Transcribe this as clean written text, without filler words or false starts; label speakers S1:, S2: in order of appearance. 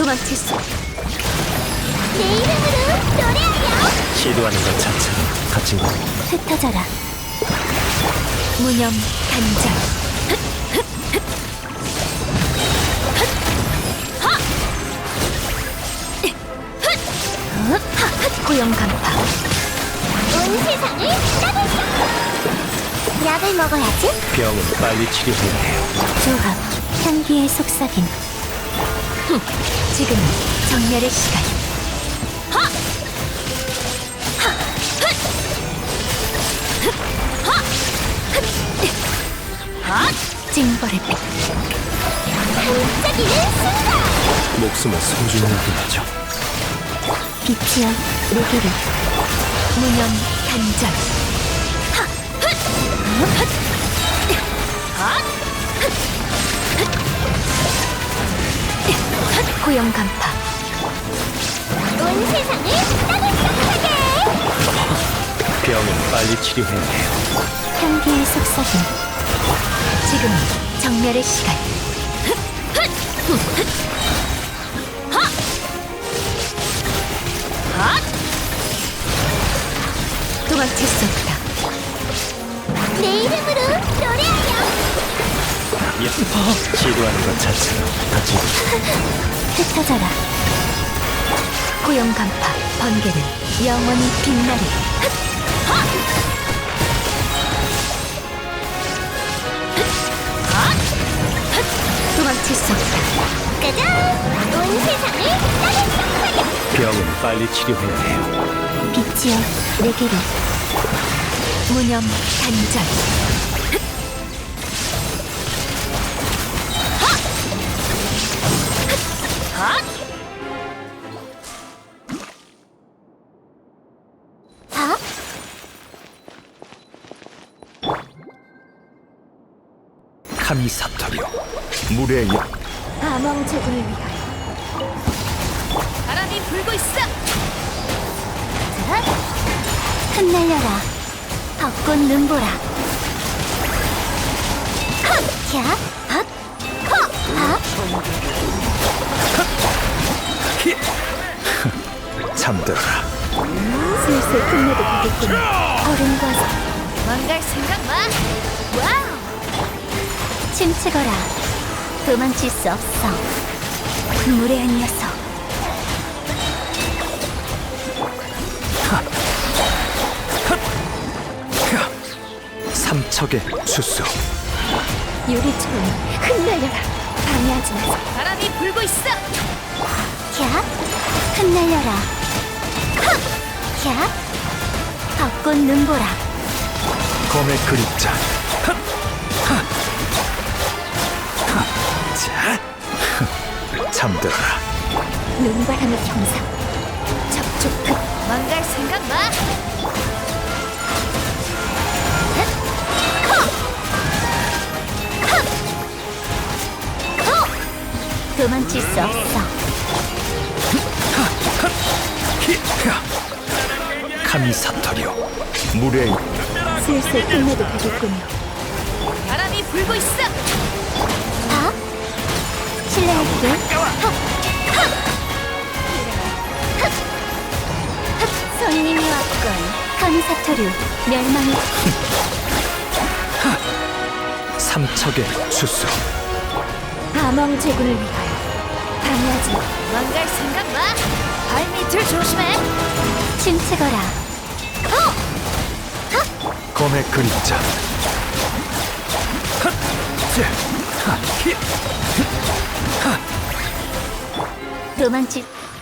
S1: 도망칠 수. 내 이름으로 노래하렴.
S2: 시도하는 것 자체로 갇힌 것.
S1: 흩어져라. 무념 단절. 고용 간파. 온 세상을 따돌려. 약을 먹어야지.
S2: 병은 빨리 치료해야 해요.
S1: 조합 향기의 속삭임. 지금 정멸의 시간. 징벌의 빛. 반짝이는 순간.
S2: 목숨은 소중히 여겨야죠.
S1: 빛이여 내게를. 무념 단절. 고용 간파. 온 세상을 따뜻하게.
S2: 병은 빨리 치료해야 해요.
S1: 향기의 속삭임. 지금 정멸의 시간. 도망칠 수 없다. 내 이름으로 노래하렴.
S2: 시도하는 것 자체로 갇힌 것.
S1: 흩어져라. 고용 간파. 번개는 영원히 빛나리. 도망칠 수 없다. 짜잔! 온 세상을 따뜻하게.
S2: 병은 빨리 치료해야 해요.
S1: 빛이여 내게로. 무념 단절.
S2: 카미 사토리오 물의 영.
S1: 암왕 제군을 위하여. 바람이 불고 있어. 자, 흩날려라. 벚꽃 눈보라. 헛! 야! 헛! 헛! 헛!
S2: 잠들어라.
S1: 슬슬 끝내도 되겠군. 어른과 망갈 생각 마. 와우! 침체거라. 도망칠 수 없어. 무례한 녀석.
S2: 삼척의 수수.
S1: 유리처럼 흩날려라. 방해하지 마세요. 바람이 불고 있어. 야! 흩날려라. 헛! 야! 벚꽃 눈보라.
S2: 검의 그림자. 자, 잠들어라.
S1: 눈바람의 형상. 접촉 끝. 망갈 생각 마. 도망칠 수 없어.
S2: 카미 사토리오 물의 영.
S1: 슬슬 끝내도 되겠군요. 바람이 불고 있어. 아? 실례할게. 손님이 왔군. 카미사토류 멸망의
S2: 삼척의 수수.
S1: 암왕 제군을 위하여. 방해하지 마. 망갈 생각 마. 발밑을 조심해. 침체거라.
S2: 검의 그림자.
S1: 도망칠